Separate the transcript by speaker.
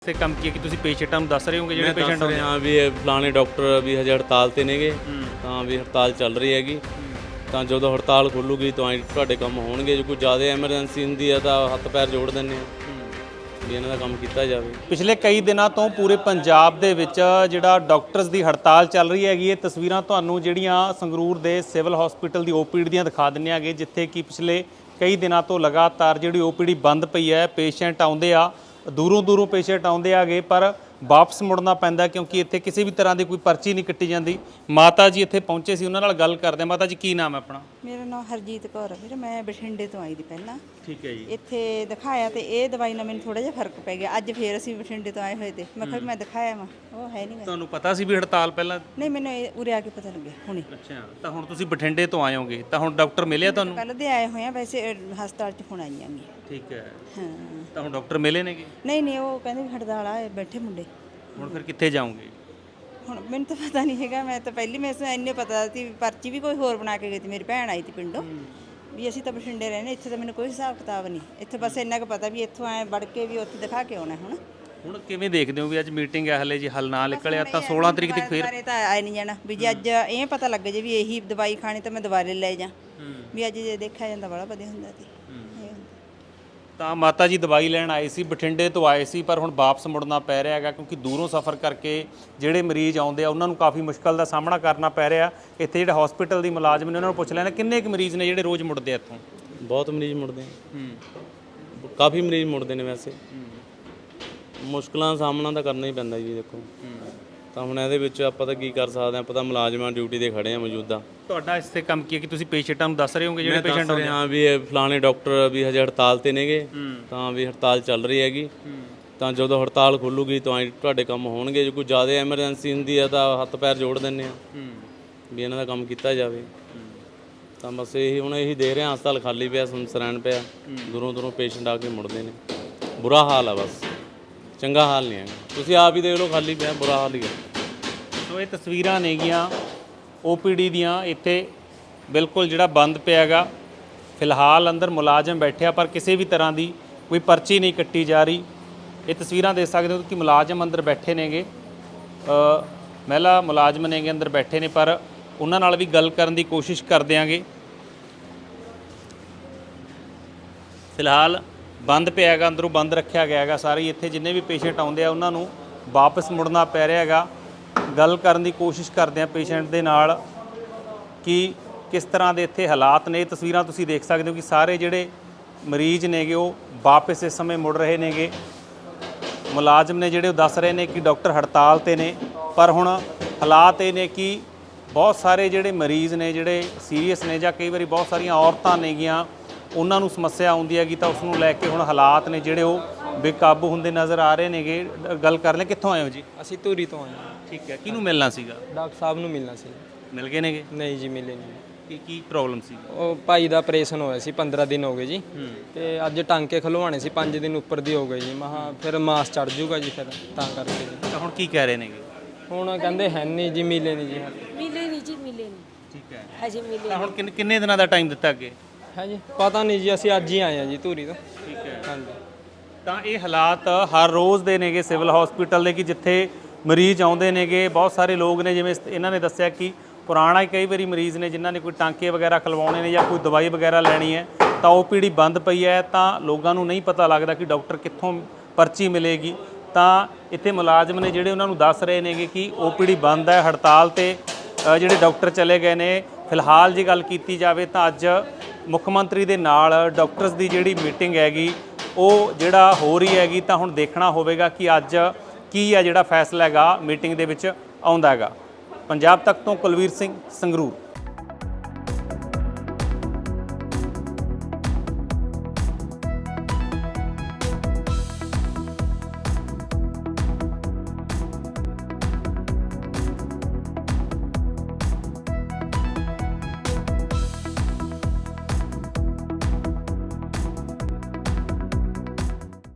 Speaker 1: से कम किया कि तुसी पेशेंटां नूं दस रहे होंगे ਜਿਹੜੇ ਪੇਸ਼ੈਂਟ
Speaker 2: ਹੁੰਦੇ ਹਾਂ ਵੀ ਇਹ ਫਲਾਣੇ ਡਾਕਟਰ ਵੀ ਹਜੇ ਹੜਤਾਲ ਤੇ ਨੇਗੇ ਤਾਂ ਵੀ ਹੜਤਾਲ ਚੱਲ ਰਹੀ ਹੈਗੀ ਤਾਂ ਜਦੋਂ ਹੜਤਾਲ ਖੁੱਲੂਗੀ ਤਾਂ ਤੁਹਾਡੇ ਕੰਮ ਹੋਣਗੇ ਜੇ ਕੋਈ ਜ਼ਿਆਦਾ ਐਮਰਜੈਂਸੀ ਹੁੰਦੀ ਹੈ ਤਾਂ ਹੱਥ ਪੈਰ ਜੋੜ ਦਿੰਦੇ ਆ ਵੀ ਇਹਨਾਂ ਦਾ ਕੰਮ ਕੀਤਾ ਜਾਵੇ।
Speaker 1: ਪਿਛਲੇ ਕਈ ਦਿਨਾਂ ਤੋਂ ਪੂਰੇ ਪੰਜਾਬ ਦੇ ਵਿੱਚ ਜਿਹੜਾ ਡਾਕਟਰਸ ਦੀ ਹੜਤਾਲ ਚੱਲ ਰਹੀ ਹੈਗੀ ਇਹ ਤਸਵੀਰਾਂ ਤੁਹਾਨੂੰ ਜਿਹੜੀਆਂ ਸੰਗਰੂਰ ਦੇ ਸਿਵਲ ਹਸਪੀਟਲ ਦੀ ਓਪੀਡੀ ਦੀਆਂ ਦਿਖਾ ਦਿੰਨੇ ਆਗੇ ਜਿੱਥੇ ਕਿ ਪਿਛਲੇ ਕਈ ਦਿਨਾਂ ਤੋਂ ਲਗਾਤਾਰ ਜਿਹੜੀ ਓਪੀਡੀ ਬੰਦ ਪਈ ਹੈ। ਪੇਸ਼ੈਂਟ ਆਉਂਦੇ ਆ ਦੂਰੋਂ ਪੇਸ਼ੈਂਟ ਆਉਂਦੇ ਆਗੇ ਪਰ ਵਾਪਸ ਮੁੜਨਾ ਪੈਂਦਾ ਕਿਉਂਕਿ ਇੱਥੇ ਕਿਸੇ ਵੀ ਤਰ੍ਹਾਂ ਦੀ ਕੋਈ ਪਰਚੀ ਨਹੀਂ ਕੱਟੀ ਜਾਂਦੀ। ਮਾਤਾ ਜੀ ਇੱਥੇ ਪਹੁੰਚੇ ਸੀ ਉਹਨਾਂ ਨਾਲ ਗੱਲ ਕਰਦੇ। ਮਾਤਾ ਜੀ ਕੀ ਨਾਮ ਹੈ ਆਪਣਾ?
Speaker 3: ਮੇਰਾ ਨਾਮ ਹਰਜੀਤ ਕੌਰ ਹੈ ਵੀਰ। ਮੈਂ ਬਠਿੰਡੇ ਤੋਂ ਆਈ ਦੀ ਪਹਿਲਾਂ।
Speaker 1: ਠੀਕ ਹੈ ਜੀ।
Speaker 3: ਇੱਥੇ ਦਿਖਾਇਆ ਤੇ ਇਹ ਦਵਾਈ ਨਾਲ ਮੈਨੂੰ ਥੋੜਾ ਜਿਹਾ ਫਰਕ ਪੈ ਗਿਆ। ਅੱਜ ਫੇਰ ਅਸੀਂ ਬਠਿੰਡੇ ਤੋਂ ਆਏ ਹੋਏ ਤੇ ਮੈਂ ਕਿਹਾ ਮੈਂ ਦਿਖਾਇਆ ਵਾ ਉਹ ਹੈ ਨਹੀਂ।
Speaker 1: ਤੁਹਾਨੂੰ ਪਤਾ ਸੀ ਵੀ ਹੜਤਾਲ ਪਹਿਲਾਂ?
Speaker 3: ਨਹੀਂ ਮੈਨੂੰ ਉਰੇ ਆ ਕੇ ਪਤਾ ਲੱਗਿਆ ਹੁਣੇ।
Speaker 1: ਅੱਛਾ ਤਾਂ ਹੁਣ ਤੁਸੀਂ ਬਠਿੰਡੇ ਤੋਂ ਆਏ ਹੋਗੇ ਤਾਂ ਹੁਣ ਡਾਕਟਰ ਮਿਲਿਆ ਤੁਹਾਨੂੰ?
Speaker 3: ਕੱਲ ਦੇ ਆਏ ਹੋਏ ਆ ਵੈਸੇ ਹਸਪਤਾਲ 'ਚ ਹੁਣ ਆਈਆਂ ਗੀ।
Speaker 1: ਠੀਕ ਹੈ
Speaker 3: ਹਾਂ
Speaker 1: ਤਾਂ ਹੁਣ ਡਾਕਟਰ ਮਿਲੇ ਨੇਗੇ?
Speaker 3: ਨਹੀਂ ਉਹ ਕਹਿੰਦੇ ਵੀ ਹੜਤਾਲ ਆ ਬੈਠੇ ਮੁੰਡੇ।
Speaker 1: ਹੁਣ ਫਿਰ ਕਿੱਥੇ ਜਾਓਗੇ?
Speaker 3: ਹੁਣ ਮੈਨੂੰ ਤਾਂ ਪਤਾ ਨਹੀਂ ਹੈਗਾ। ਮੈਂ ਤਾਂ ਪਹਿਲੀ ਮੈਨੂੰ ਇੰਨੇ ਪਤਾ ਸੀ ਪਰਚੀ ਵੀ ਕੋਈ ਹੋਰ ਬਣਾ ਕੇ ਗਈ ਸੀ। ਮੇਰੀ ਭੈਣ ਆਈ ਸੀ ਪਿੰਡੋਂ ਵੀ ਅਸੀਂ ਤਾਂ ਬਠਿੰਡੇ ਰਹਿੰਦੇ ਇੱਥੇ ਤਾਂ ਮੈਨੂੰ ਕੋਈ ਹਿਸਾਬ ਕਿਤਾਬ ਨਹੀਂ। ਇੱਥੇ ਬਸ ਇੰਨਾ ਕੁ ਪਤਾ ਵੀ ਇੱਥੋਂ ਆਏ ਵੜ ਕੇ ਵੀ ਉੱਥੇ ਦਿਖਾ ਕੇ ਆਉਣਾ। ਹੁਣ
Speaker 1: ਕਿਵੇਂ ਦੇਖਦੇ ਹੋ ਵੀ ਅੱਜ ਮੀਟਿੰਗ ਹੈ ਹਲੇ ਜੇ ਹੱਲ ਨਾ ਨਿਕਲਿਆ ਤਾਂ 16 ਤਰੀਕ ਤੱਕ ਫਿਰ
Speaker 3: ਤਾਂ ਆਏ ਨਹੀਂ ਜਾਣਾ ਵੀ ਜੇ ਅੱਜ ਇਹ ਪਤਾ ਲੱਗ ਜੇ ਵੀ ਇਹੀ ਦਵਾਈ ਖਾਣੀ ਤਾਂ ਮੈਂ ਦੁਬਾਰੇ ਲੈ ਜਾ ਵੀ ਅੱਜ ਜੇ ਦੇਖਿਆ ਜਾਂਦਾ ਬੜਾ ਵਧੀਆ ਹੁੰਦਾ ਸੀ।
Speaker 1: ਤਾਂ ਮਾਤਾ ਜੀ ਦਵਾਈ ਲੈਣ ਆਏ ਸੀ ਬਠਿੰਡੇ ਤੋਂ ਆਏ ਸੀ ਪਰ ਹੁਣ ਵਾਪਸ ਮੁੜਨਾ ਪੈ ਰਿਹਾ ਹੈਗਾ ਕਿਉਂਕਿ ਦੂਰੋਂ ਸਫ਼ਰ ਕਰਕੇ ਜਿਹੜੇ ਮਰੀਜ਼ ਆਉਂਦੇ ਆ ਉਹਨਾਂ ਨੂੰ ਕਾਫੀ ਮੁਸ਼ਕਲ ਦਾ ਸਾਹਮਣਾ ਕਰਨਾ ਪੈ ਰਿਹਾ। ਇੱਥੇ ਜਿਹੜੇ ਹਸਪੀਟਲ ਦੀ ਮੁਲਾਜ਼ਮ ਨੇ ਉਹਨਾਂ ਨੂੰ ਪੁੱਛ ਲੈਣਾ ਕਿੰਨੇ ਕੁ ਮਰੀਜ਼ ਨੇ ਜਿਹੜੇ ਰੋਜ਼ ਮੁੜਦੇ ਆ ਇੱਥੋਂ?
Speaker 2: ਬਹੁਤ ਮਰੀਜ਼ ਮੁੜਦੇ ਕਾਫੀ ਮਰੀਜ਼ ਮੁੜਦੇ ਨੇ ਵੈਸੇ ਮੁਸ਼ਕਲਾਂ ਦਾ ਸਾਹਮਣਾ ਤਾਂ ਕਰਨਾ ਹੀ ਪੈਂਦਾ ਜੀ। ਦੇਖੋ ਤਾਂ ਹੁਣ ਇਹਦੇ ਵਿੱਚ ਆਪਾਂ ਤਾਂ ਕੀ ਕਰ ਸਕਦੇ ਹਾਂ। ਆਪਾਂ ਤਾਂ ਮੁਲਾਜ਼ਮਾਂ ਡਿਊਟੀ ਤੇ ਖੜੇ ਆ ਮੌਜੂਦਾ।
Speaker 1: ਤੁਹਾਡਾ ਇਸ ਤੇ ਕੰਮ ਕੀ ਹੈ ਕਿ ਤੁਸੀਂ ਪੇਸ਼ੈਂਟਾਂ ਨੂੰ ਦੱਸ ਰਹੇ ਹੋਗੇ ਜਿਹੜੇ ਪੇਸ਼ੈਂਟ ਆਉਂਦੇ
Speaker 2: ਹਾਂ ਵੀ ਇਹ ਫਲਾਣੇ ਡਾਕਟਰ ਵੀ ਹਜੇ ਹੜਤਾਲ ਤੇ ਨੇਗੇ ਤਾਂ ਵੀ ਹੜਤਾਲ ਚੱਲ ਰਹੀ ਹੈਗੀ ਤਾਂ ਜਦੋਂ ਹੜਤਾਲ ਖੁੱਲੂਗੀ ਤਾਂ ਤੁਹਾਡੇ ਕੰਮ ਹੋਣਗੇ ਜੇ ਕੋਈ ਜ਼ਿਆਦਾ ਐਮਰਜੈਂਸੀ ਹੁੰਦੀ ਹੈ ਤਾਂ ਹੱਥ ਪੈਰ ਜੋੜ ਦਿੰਦੇ ਆ ਵੀ ਇਹਨਾਂ ਦਾ ਕੰਮ ਕੀਤਾ ਜਾਵੇ। ਤਾਂ ਬਸ ਇਹੀ ਹੁਣ ਇਹੀ ਦੇ ਰਹੇ ਹਾਂ। ਹਸਪਤਾਲ ਖਾਲੀ ਪਿਆ ਸੁੰਨਸਾਨ ਪਿਆ ਦੂਰੋਂ ਪੇਸ਼ੈਂਟ ਆ ਕੇ ਮੁੜਦੇ ਨੇ। ਬੁਰਾ ਹਾਲ ਆ ਬਸ ਚੰਗਾ ਹਾਲ ਨਹੀਂ ਹੈਗਾ। ਤੁਸੀਂ ਆਪ ਹੀ ਦੇਖ ਲਓ ਖਾਲੀ ਪਿਆ ਬੁਰਾ ਹਾਲ ਹੀ ਹੈ।
Speaker 1: ਸੋ ਇਹ ਤਸਵੀਰਾਂ ਨੇਗੀਆਂ ਓਪੀਡੀ ਦੀਆਂ। ਇੱਥੇ ਬਿਲਕੁਲ ਜਿਹੜਾ ਬੰਦ ਪਿਆਗਾ ਫਿਲਹਾਲ ਅੰਦਰ ਮੁਲਾਜ਼ਮ ਬੈਠਿਆ ਪਰ ਕਿਸੇ ਵੀ ਤਰ੍ਹਾਂ ਦੀ ਕੋਈ ਪਰਚੀ ਨਹੀਂ ਕੱਟੀ ਜਾ ਰਹੀ। ਇਹ ਤਸਵੀਰਾਂ ਦੇਖ ਸਕਦੇ ਹੋ ਕਿ ਮੁਲਾਜ਼ਮ ਅੰਦਰ ਬੈਠੇ ਨੇਗੇ ਮਹਿਲਾ ਮੁਲਾਜ਼ਮ ਨੇਗੇ ਅੰਦਰ ਬੈਠੇ ਨੇ ਪਰ ਉਹਨਾਂ ਨਾਲ ਵੀ ਗੱਲ ਕਰਨ ਦੀ ਕੋਸ਼ਿਸ਼ ਕਰ ਦਿਆਂਗੇ। ਫਿਲਹਾਲ ਬੰਦ ਪਿਆ ਹੈਗਾ ਅੰਦਰੋਂ ਬੰਦ ਰੱਖਿਆ ਗਿਆ ਹੈਗਾ ਸਾਰੇ। ਇੱਥੇ ਜਿੰਨੇ ਵੀ ਪੇਸ਼ੈਂਟ ਆਉਂਦੇ ਆ ਉਹਨਾਂ ਨੂੰ ਵਾਪਸ ਮੁੜਨਾ ਪੈ ਰਿਹਾ ਹੈਗਾ। ਗੱਲ ਕਰਨ ਦੀ ਕੋਸ਼ਿਸ਼ ਕਰਦੇ ਆ ਪੇਸ਼ੈਂਟ ਦੇ ਨਾਲ ਕਿ ਕਿਸ ਤਰ੍ਹਾਂ ਦੇ ਇੱਥੇ ਹਾਲਾਤ ਨੇ। ਤਸਵੀਰਾਂ ਤੁਸੀਂ ਦੇਖ ਸਕਦੇ ਹੋ ਕਿ ਸਾਰੇ ਜਿਹੜੇ ਮਰੀਜ਼ ਨੇਗੇ ਉਹ ਵਾਪਸ ਇਸ ਸਮੇਂ ਮੁੜ ਰਹੇ ਨੇਗੇ। ਮੁਲਾਜ਼ਮ ਨੇ ਜਿਹੜੇ ਉਹ ਦੱਸ ਰਹੇ ਨੇ ਕਿ ਡਾਕਟਰ ਹੜਤਾਲ ਤੇ ਨੇ ਪਰ ਹੁਣ ਹਾਲਾਤ ਇਹ ਨੇ ਕਿ ਬਹੁਤ ਸਾਰੇ ਜਿਹੜੇ ਮਰੀਜ਼ ਨੇ ਜਿਹੜੇ ਸੀਰੀਅਸ ਨੇ ਜਾਂ ਕਈ ਵਾਰੀ ਬਹੁਤ ਸਾਰੀਆਂ ਔਰਤਾਂ ਨੇਗੀਆਂ ਉਹਨਾਂ ਨੂੰ ਸਮੱਸਿਆ ਆਉਂਦੀ ਹੈਗੀ ਤਾਂ ਉਸ ਨੂੰ ਲੈ ਕੇ ਹੁਣ ਹਾਲਾਤ ਨੇ ਜਿਹੜੇ ਉਹ ਬੇਕਾਬੂ ਹੁੰਦੇ ਨਜ਼ਰ ਆ ਰਹੇ ਨੇਗੇ। ਗੱਲ ਕਰ ਲੈ ਕਿੱਥੋਂ ਆਏ ਹੋ ਜੀ?
Speaker 4: ਅਸੀਂ ਧੂਰੀ ਤੋਂ ਆਏ ਹਾਂ।
Speaker 1: ਠੀਕ ਹੈ ਕਿਹਨੂੰ ਮਿਲਣਾ ਸੀਗਾ?
Speaker 4: ਡਾਕਟਰ ਸਾਹਿਬ ਨੂੰ ਮਿਲਣਾ ਸੀ।
Speaker 1: ਮਿਲ ਗਏ ਨੇਗੇ?
Speaker 4: ਨਹੀਂ ਜੀ ਮਿਲੇ ਨਹੀਂ।
Speaker 1: ਕੀ ਪ੍ਰੋਬਲਮ ਸੀ?
Speaker 4: ਉਹ ਭਾਈ ਦਾ ਆਪਰੇਸ਼ਨ ਹੋਇਆ ਸੀ 15 ਦਿਨ ਹੋ ਗਏ ਜੀ ਤੇ ਅੱਜ ਟਾਂਕੇ ਖਲਵਾਣੇ ਸੀ 5 ਦਿਨ ਉੱਪਰ ਦੀ ਹੋ ਗਏ ਜੀ। ਮਹਾ ਫਿਰ ਮਾਸ ਚੜ ਜੂਗਾ ਜੀ ਫਿਰ ਤਾਂ ਕਰਕੇ ਜੀ।
Speaker 1: ਤਾਂ ਹੁਣ ਕੀ ਕਹਿ ਰਹੇ ਨੇਗੇ?
Speaker 4: ਹੁਣ ਕਹਿੰਦੇ ਹੈ ਨਹੀਂ ਜੀ ਮਿਲੇ ਨਹੀਂ ਜੀ।
Speaker 5: ਮਿਲੇ ਨਹੀਂ ਜੀ ਮਿਲੇ ਨਹੀਂ।
Speaker 1: ਠੀਕ ਹੈ
Speaker 5: ਹਜੇ ਮਿਲੇ
Speaker 1: ਤਾਂ ਹੁਣ ਕਿੰਨੇ ਦਿਨਾਂ ਦਾ ਟਾਈਮ ਦਿੱਤਾ ਅੱਗੇ?
Speaker 4: ਹੈ ਜੀ ਪਤਾ ਨਹੀਂ ਜੀ ਅਸੀਂ ਅੱਜ ਹੀ ਆਏ ਹਾਂ ਜੀ ਧੂਰੀ ਤੋਂ।
Speaker 1: ਠੀਕ ਹੈ
Speaker 4: ਹਾਂਜੀ
Speaker 1: ਤਾਂ ਇਹ ਹਾਲਾਤ ਹਰ ਰੋਜ਼ ਦੇ ਨੇਗੇ ਸਿਵਲ ਹਸਪੀਟਲ ਦੇ ਕਿ ਜਿੱਥੇ ਮਰੀਜ਼ ਆਉਂਦੇ ਨੇਗੇ ਬਹੁਤ ਸਾਰੇ ਲੋਕ ਨੇ ਜਿਵੇਂ ਇਹਨਾਂ ਨੇ ਦੱਸਿਆ ਕਿ ਪੁਰਾਣਾ ਹੀ ਕਈ ਵਾਰੀ ਮਰੀਜ਼ ਨੇ ਜਿਨ੍ਹਾਂ ਨੇ ਕੋਈ ਟਾਂਕੇ ਵਗੈਰਾ ਖਲਵਾਉਣੇ ਨੇ ਜਾਂ ਕੋਈ ਦਵਾਈ ਵਗੈਰਾ ਲੈਣੀ ਹੈ ਤਾਂ ਓਪੀਡੀ ਬੰਦ ਪਈ ਹੈ ਤਾਂ ਲੋਕਾਂ ਨੂੰ ਨਹੀਂ ਪਤਾ ਲੱਗਦਾ ਕਿ ਡਾਕਟਰ ਕਿੱਥੋਂ ਪਰਚੀ ਮਿਲੇਗੀ। ਤਾਂ ਇੱਥੇ ਮੁਲਾਜ਼ਮ ਨੇ ਜਿਹੜੇ ਉਹਨਾਂ ਨੂੰ ਦੱਸ ਰਹੇ ਨੇਗੇ ਕਿ ਓਪੀਡੀ ਬੰਦ ਹੈ ਹੜਤਾਲ ਤੇ ਜਿਹੜੇ ਡਾਕਟਰ ਚਲੇ ਗਏ ਨੇ। ਫਿਲਹਾਲ ਜੇ ਗੱਲ ਕੀਤੀ ਜਾਵੇ ਤਾਂ ਅੱਜ ਮੁੱਖ ਮੰਤਰੀ ਦੇ ਨਾਲ ਡਾਕਟਰਸ ਦੀ ਜਿਹੜੀ ਮੀਟਿੰਗ ਹੈਗੀ ਉਹ ਜਿਹੜਾ ਹੋ ਰਹੀ ਹੈਗੀ ਤਾਂ ਹੁਣ ਦੇਖਣਾ ਹੋਵੇਗਾ ਕਿ ਅੱਜ ਕੀ ਹੈ ਜਿਹੜਾ ਫੈਸਲਾ ਹੈਗਾ ਮੀਟਿੰਗ ਦੇ ਵਿੱਚ ਆਉਂਦਾ ਹੈਗਾ। ਪੰਜਾਬ ਤੱਕ ਤੋਂ ਕੁਲਵੀਰ ਸਿੰਘ ਸੰਗਰੂਰ।